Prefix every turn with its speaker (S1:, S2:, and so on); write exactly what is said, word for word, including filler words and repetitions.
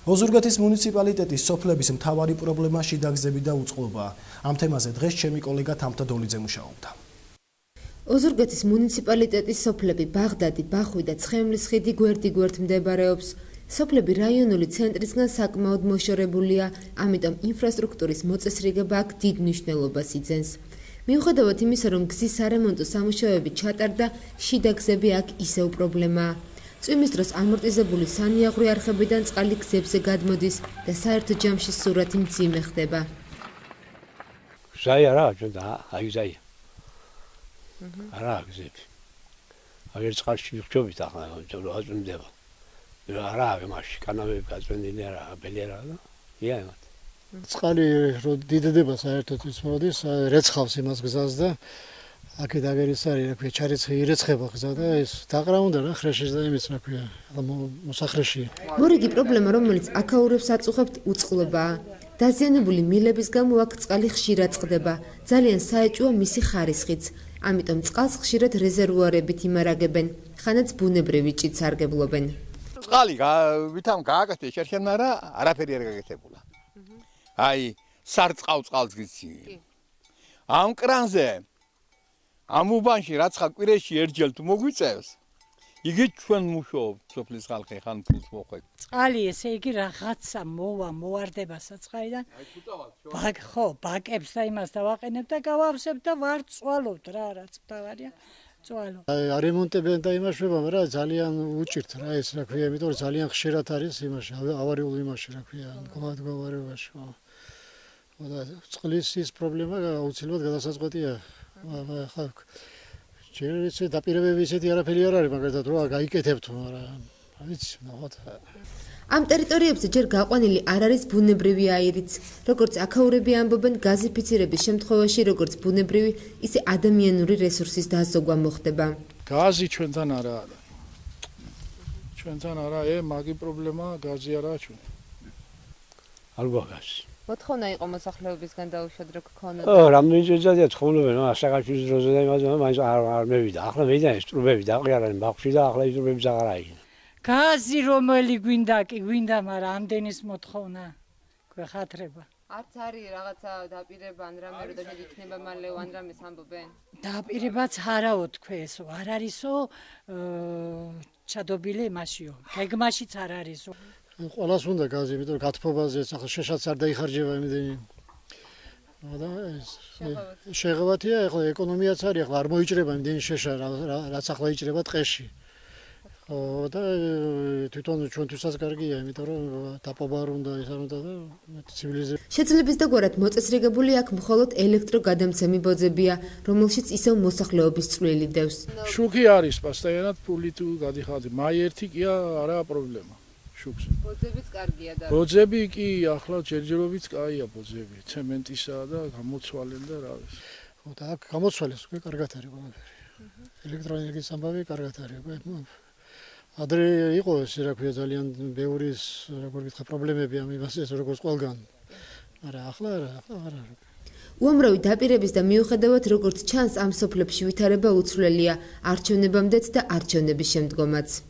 S1: ოზურგეთის მუნიციპალიტეტის სოფლების მთავარი პრობლემა შიდაგზები და უწყლობაა. Ამ თემაზე დღეს ჩემი კოლეგა თამთა დოლიძე მუშაობდა.
S2: ოზურგეთის მუნიციპალიტეტის სოფლები ბაღდადი, ბახვი და ცხენლის ხიდი გვერდ-გვერდ მდებარეობს. სოფლები რაიონული ცენტრისგან საკმაოდ მოშორებულია, ამიტომ ინფრასტრუქტურის მოწესრიგება აქ დიდ მნიშვნელობას იძენს. მიუხედავად იმისა, რომ გზის სარემონტო სამუშაოები ჩატარდა, შიდაგზები აქ ისევ პრობლემაა. წვიმის დროს ამორტიზებული სანიაღვრე არხებიდან წყალი გზებზე გადმოდის და საერთო ჯამში სურათი მძიმე ხდება.
S3: ჟაი არა, ჩვენ და აი ჟაი. არა გზები. აგერ წყალში ვიხჯობით ახლა, რომ აწვიმდება. არა, მაშინ კანალები გაწვენილი არა, ბელი არა და იაიმათ.
S4: წყალი რო დიდდება საერთოდ ის მოდის, რეცხავს იმას გზას და აქეთ აგერ ის არის, რა ქვია, ჩარეცხი ირეცხება გზა და ეს დაყრაუნდა რა ხრეშის და იმის, რა ქვია, მოსახრეშია.
S2: მორიგი პრობლემა, რომელიც აქაურებს აწუხებთ, უწყლობაა. დაზიანებული მილების გამო აქ წყალი ხშირად წყდება. ძალიან საეჭვოა მისი ხარისხიც. ამიტომ წყალს ხშირად რეზერვუარებით იმარაგებენ, ხანაც ბუნებრივი ჭით სარგებლობენ.
S5: წყალი ვითამ გააკეთეს შერხენ, მაგრამ არაფერი არ გაკეთებულა. აი, სარწყავ წყალს გიცი. ამ კრანზე ამ უბანში რაც ხა კვირაში ერთჯერ თუ მოგვიწევს, იგივე ჩვენ მუშაობთ სოფლის ხალხი ხან ფულს მოხვეთ.
S6: წყალი ესე იგი რაღაცა მოვა, მოواردება საწყაიდან. ბაკ ხო, ბაკებს და იმას დავაყენებ და გავავსებ და ვარ წვალობთ რა, რაც თავარია. წვალო.
S4: არემონტებენ და იმაშვება, მაგრამ ძალიან უჭირთ რა ეს, რა ქვია, იმიტომ რომ ძალიან ხშირად არის იმაში, ავარიულ იმაში, რა ქვია, მდგომარეობაში. და წყლის ის პრობლემა აუცილებლად გადასაწყვეტია. ხა ჯერ ისე დაპირებები ისეთი არაფერი არ არის, მაგალითად რა გაიკეთებთ, მაგრამ ვიცი, ნახოთ.
S2: ამ ტერიტორიებზე ჯერ გაყვანილი არ არის ბუნებრივი აირიც. როგორც აქაურები ამბობენ, გაზიფიცირების შემთხვევაში როგორც ბუნებრივი, ისე ადამიანური რესურსის დაზოგვა მოხდება.
S7: გაზი ჩვენთან არაა. ჩვენთან არა, ე მაგი პრობლემა გაზი არაა ჩვენ.
S3: არ გვაგას.
S2: მოთხოვნა იყო მოსახლეობისგან დაუშვათ რო გქონოდა.
S3: ო, რამდენი ძადია ცხოვრობენ, ასაკაშვილის დროზე და იმაზე მაინც არ არ მევიდა. ახლა მევიდა ეს ტრუბები დაყიარენ ბავშვი და ახლა ის ტრუბები აღარ არის.
S6: გაზი რომელი გვინდა კი გვინდა, მაგრამ ამდენის მოთხოვნა გვეხათრება.
S2: არც არის რაღაცა დაპირება ან რამე რომ და იქნება მალე ან რამეს ამბობენ.
S6: დაპირებაც არაო თქვენსო, არ არისო ჩადობილი მასიო. გეგმაშიც არ არისო.
S4: ყველას უნდა გაზი, იმიტომ რომ გათბობაზე ახლა შეშაც არ დაიხარჯება იმდენი. და ეს შეღავათია, ახლა ეკონომიაც არის, ახლა არ მოიჭრება იმდენი შეშა, რაც ახლა იჭრება ტყეში. და თვითონ ჩვენთვისაც კარგია, იმიტომ რომ დაპობა არ უნდა, ის არ უნდა და ცივილიზება.
S2: შეძლების დაგვარად მოწესრიგებული აქ მხოლოდ ელექტროგადამცემი ბოძებია, რომელშიც ისევ მოსახლეობის წვლილი დევს.
S7: შუქი არის პასტაიანად ფული თუ გადიხადი. მაი ერთი კი არაა პრობლემა. შუქს.
S2: ბოძებიც კარგია და.
S7: ბოძები კი ახლა ჯერჯერობით კაია ბოძები, ცემენტისა და გამოცვალენ და რა ვიცი.
S4: ხო და აქ გამოცვალეს უკვე კარგად არის ყველაფერი. ელექტროენერგიის ამბავი კარგად არის უკვე. ადრე იყო ეს რა ქვია ძალიან ბევრი როგორ ვიტყვი პრობლემები ამ იმასე როგორც ყველგან. მაგრამ ახლა არა, ახლა არ არის.
S2: უამრავი დაპირების და მიუხედავად როგორც ჩანს ამ სოფლებში ვითარება უცვლელია არჩევნებამდეც და არჩევნების შემდგომაც.